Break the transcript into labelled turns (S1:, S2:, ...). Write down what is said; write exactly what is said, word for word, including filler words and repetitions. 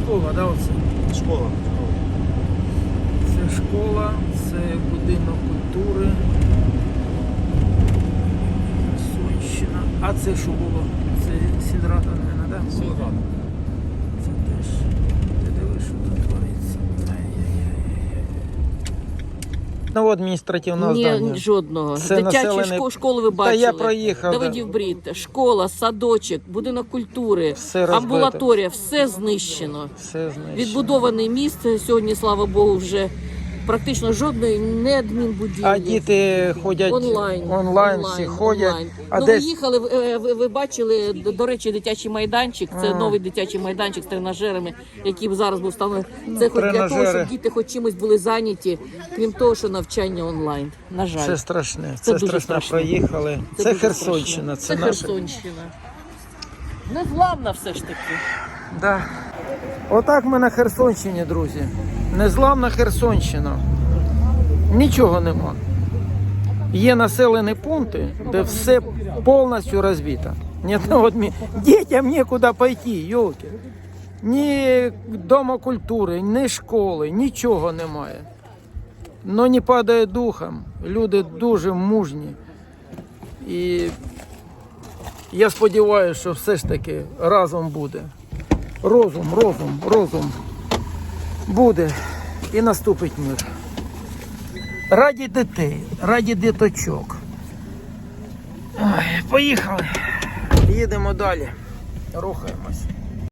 S1: школа, да, оце?
S2: Школа.
S1: Це школа, це будинок культури. Херсонщина. А це що було? Це сільрада, мабуть, да?
S2: Сільрада.
S1: Це теж. Ти дивиш, що тут твориться. Ай-яй-яй. Ну, адміністративного
S3: Ні,
S1: здання.
S3: жодного.
S1: Це
S3: Дитячі
S1: населений-
S3: шко- школи ви
S1: Та
S3: бачили.
S1: я проїхав, да.
S3: Давидів Брід, школа, садочок, будинок культури,
S1: Все розбите.
S3: амбулаторія, все знищено.
S1: Все знищено.
S3: Відбудований міст сьогодні, слава Богу, вже практично жодної не адмінбудівлі.
S1: А діти ходять
S3: Онлайн,
S1: онлайн, всі ходять.
S3: онлайн.
S1: А
S3: Ну,
S1: десь
S3: ви їхали, ви, ви, ви бачили, до, до речі, дитячий майданчик. Це
S1: А.
S3: новий дитячий майданчик з тренажерами, який зараз був встановлений. Це хоч для того,
S1: тренажери.
S3: щоб діти хоч чимось були зайняті, крім того, що навчання онлайн. На жаль.
S1: це страшне.
S3: Це
S1: Це,
S3: дуже
S1: страшно.
S3: страшно.
S1: Проїхали. Це,
S3: дуже
S1: Херсонщина.
S3: страшно.
S1: Це,
S3: Це
S1: наша.
S3: Херсонщина. Незламна все ж таки.
S1: Да. Отак ми на Херсонщині, друзі. Незламна Херсонщина. Нічого нема. Є населені пункти, де все повністю розбито. Ні одного адмі- Дітям нікуди пойти, йолки. Ні дома культури, ні школи, нічого немає. Но не падає духом. Люди дуже мужні. І я сподіваюся, що все ж таки разом буде. Розум, розум, розум буде і наступить мир. Раді дітей, раді діточок. Ой, поїхали. Їдемо далі. Рухаємось.